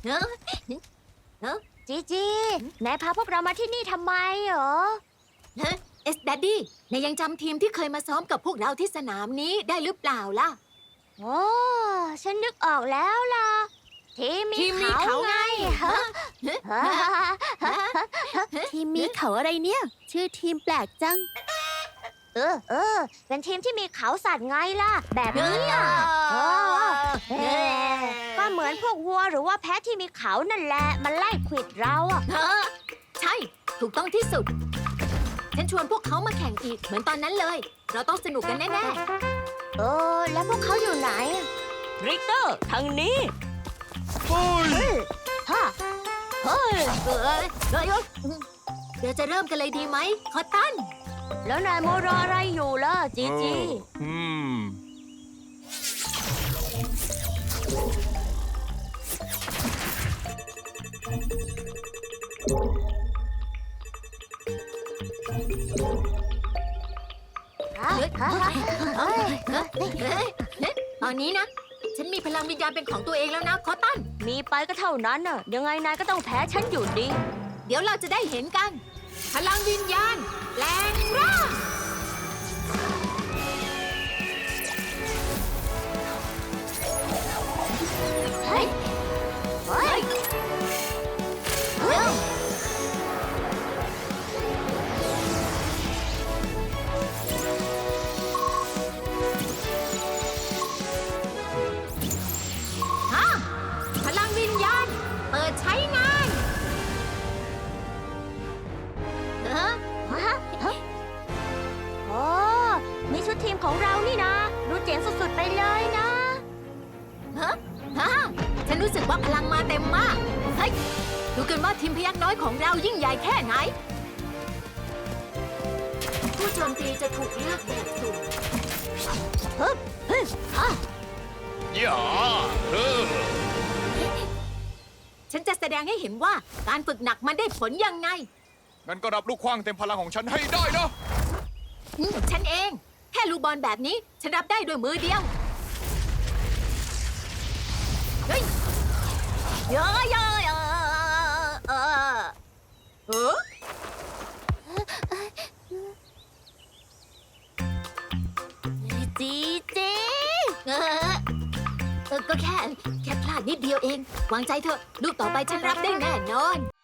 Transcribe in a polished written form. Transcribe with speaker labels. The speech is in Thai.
Speaker 1: เฮ้อ
Speaker 2: จีจีนายพาพวกเรามาที่นี่ทำไมเหรอ
Speaker 1: เอสแดดดี้นายยังจำทีมที่เคยมาซ้อมกับพวกเราที่สนามนี้ได้หรือเปล่าล่ะ
Speaker 2: โอ้ฉันนึกออกแล้วล่ะ ทีมมี
Speaker 1: ทีมมีเขาไง
Speaker 2: ฮะ
Speaker 3: ทีมมีเขาอะไรเนี่ย ชื่อทีมแปลกจัง
Speaker 2: เป็นทีมที่มีเขาสัตว์ไงล่ะ แบบนี้อ่ะก็เหมือนพวกวัวหรือว่าแพะที่มีเขานั่นแหละ มันไล่ขวิดเราอ่ะ
Speaker 1: ใช่ ถูกต้องที่สุด ฉันชวนพวกเขามาแข่งอีกเหมือนตอนนั้นเลย เราต้องสนุกกันแน่
Speaker 2: แล้วพวกเขาอยู่ไหน
Speaker 3: ริกเตอร์ทางนี้
Speaker 2: ฮะ
Speaker 1: ๆเราจะเริ่มกันเลยดีไหมคอตตัน
Speaker 2: แล้วนายโมรออะไรอยู่ล่ะจีจี
Speaker 4: อืม
Speaker 1: ตอนนี้นะ ฉันมีพลังวิญญาณเป็นของตัวเองแล้วนะคอตตัน
Speaker 2: มีไปก็เท่านั้นน่ะ ยังไงนายก็ต้องแพ้ฉันอยู่ดี
Speaker 1: เดี๋ยวเราจะได้เห็นกัน พลังวิญญาณแปลงร่างเฮ้ยเฮ้ยเร็วฮะพลังวิญญาณเปิดใช้งาน
Speaker 2: โอ้มีชุดทีมของเรานี่นะ ดูเจ๋งสุดๆไปเลยนะ
Speaker 1: ฮะฉันรู้สึกว่าพลังมาเต็มมาก เฮ้ย ดูกันว่าทีมพยักน้อยของเรายิ่งใหญ่แค่ไหน ผู้โจมตีจะถูกเลือกแบบสุ่ม
Speaker 4: อย่าอ
Speaker 1: ฉันจะแสดงให้เห็นว่าการฝึกหนักมันได้ผลยังไง
Speaker 4: งั้นก็รับลูกขว้างเต็มพลังของฉันให้ได้นะ
Speaker 1: ฉันเอง แค่ลูกบอลแบบนี้ ฉันรับได้ด้วยมือเดียว เฮ้ยเยอะเยอะ
Speaker 2: จีจี
Speaker 1: ก็แค่พลาดนิดเดียวเอง วางใจเถอะ ลูกต่อไปฉันรับได้แน่นอน